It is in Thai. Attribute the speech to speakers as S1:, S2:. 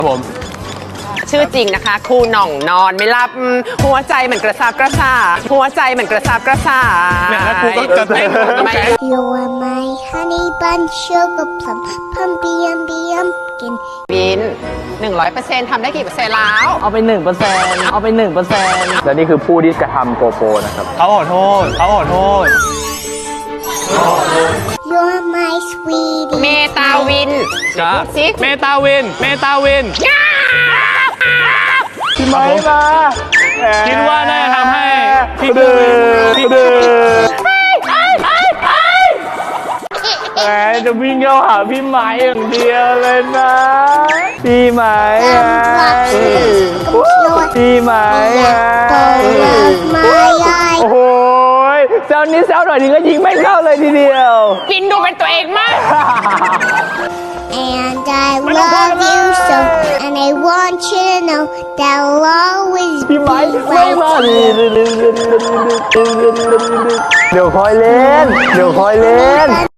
S1: ครับผม
S2: ชื่อจริงนะคะครูหน่องนอนไม่หลับหัวใจเหมือนกระซาบกระซาหัวใจเหมือนกระซาบกระซา
S1: เนี่ยแล้วกูก็จะเต้น
S3: You are my honey bun sugar plum pumpy pumpkin
S2: บิน 100%ทำได้กี่เปอร์เซ็นต์แล้ว
S4: เอาไป 1%เอาไป 1%
S5: และนี่คือผู้ที่กระทำโกโปรนะครับ
S1: เขาขอโทษเขาขอโทษ
S3: You're my sweetie
S2: เมตาวิน
S1: จ้า
S2: ซิ
S1: เมตาวิน เมตาวิน
S5: พี่ไม้มา
S1: คิดว่าน่าจะทำให้พี่
S5: เดือ
S1: พี่
S5: เดือแหมจะวิ่งเข้าหาพี่ไม้อย่างเดียวเลยนะ พี่ไม้ไงพี่ไม้ไง
S3: my eye
S5: โอ้โหแซวนี้แซวหน่อยนึงก็ยิงไม่เข้าเลยทีเดียว
S2: บินดูเป็นตัวเองมาก
S3: and I love you so and I want you to know that I'll always
S5: พี่
S3: be
S5: ไม้ไม่
S3: right
S5: มาเดี๋ยวคอยเล่น เดี๋ยวคอยเล่น